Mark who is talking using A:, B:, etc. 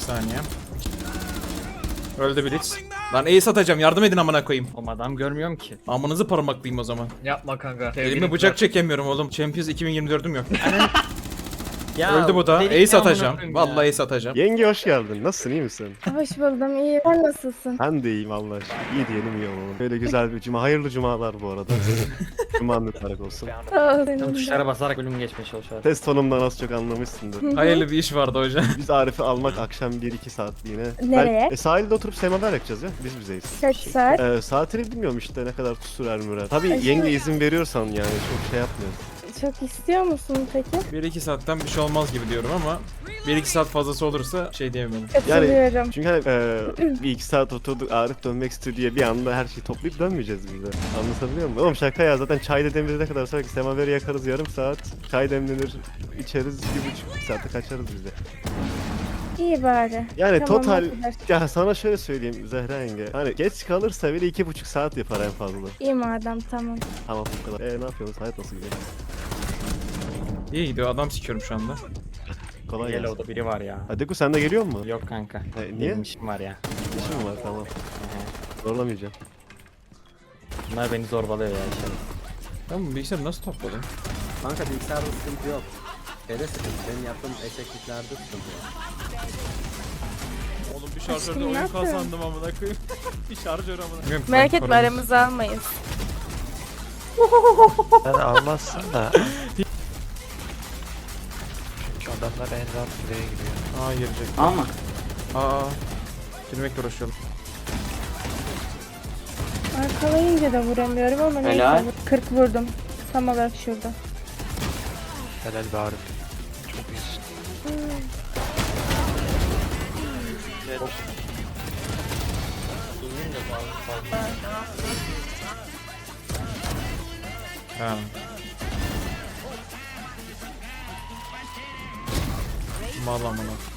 A: saniye. Öldü Blitz. Lan ace atacağım, yardım edin amına koyayım.
B: Oğlum adam görmüyorum ki.
A: Amınızı parmaklayayım o zaman.
B: Yapma kanka.
A: Elime bıçak çekemiyorum oğlum. Champions 2024'üm yok.
B: Ya,
A: Öldü bu da.
B: delik
A: Ace
B: amına
A: atacağım.
B: koyayım ya.
A: Vallahi ace atacağım.
C: Yenge hoş geldin. Nasılsın, iyi misin?
D: Hoş buldum, iyi. Sen nasılsın?
C: Ben de iyiyim Allah aşkına. İyi diyelim iyi olalım. Böyle güzel bir cuma. Hayırlı cumalar bu arada. Cuman mübarek olsun.
D: Sağ ol senin de.
B: Tuşlara basarak bölüm geçmeye çalışıyor.
C: Test tonumdan az çok anlamışsındır.
A: Hayırlı bir iş vardı hocam.
C: Biz Arif'i almak akşam 1-2 saatliğine.
D: Nereye?
C: Sahilde oturup semaver yakacağız ya. Biz bizeyiz.
D: Kaç saat?
C: Saatini bilmiyorum işte ne kadar sürer mürer. Tabii
D: Ay,
C: yenge izin veriyorsan yani çok şey yapmıyoruz.
D: Çok istiyor musun peki?
A: 1-2 saatten bir şey olmaz gibi diyorum ama 1-2 saat fazlası olursa şey diyemiyorum.
D: Katılıyorum.
C: Çünkü hani bir iki saat oturduk Arif dönmek istiyor diye bir anda her şeyi toplayıp dönmeyeceğiz biz de. Anlatabiliyor muyum? Oğlum şaka ya, zaten çay demlenene kadar sonra semaveri yakarız yarım saat. Çay demlenir içeriz 1,5 saate kaçarız biz de.
D: İyi bari.
C: Yani
D: Tamam,
C: total
D: ne kadar?
C: ya sana şöyle söyleyeyim Zehra yenge. Hani geç kalırsa bile 2,5 saat yapar en fazla.
D: İyi madem, tamam.
C: Tamam bu kadar. Ne yapıyorsunuz? Hayat nasıl gidiyor?
A: İyi gidiyor, adam sikiyorum şu anda.
C: Kolay gelsin.
B: Yellow'da biri var ya.
C: Adeku sen de geliyor mu?
B: Yok kanka.
C: Niye?
B: Benim işim var ya.
C: İşim mi var? Tamam.
B: Hı
C: Zorlamayacağım.
B: hı. Bunlar beni zorbalıyor ya işte.
A: Ben bu bilgisayarı nasıl topladım?
E: Kanka bilgisayarda sıkıntı yok. Şeyde sıkıntı. Benim yaptığım eşekliklerde sıkıntı yok.
A: Oğlum bir
D: Aşkım,
A: şarjörde
D: ne
A: oyun
D: yapıyorsun?
A: kazandım amına koyayım. Bir şarjör amına.
D: Merak etme, aramızı almayız.
F: Sen almazsın da. Çünkü adamlar en rahat buraya giriyor.
A: Aa girecek.
B: Ama.
A: Aa. Girmekle uğraşıyorum.
D: Arkalayınca da vuramıyorum ama
B: Helal.
D: neyse. 40 vurdum. Tam olarak şurada.
F: Helal be Arif. Çok iyisin.
A: Ha. Mal amına.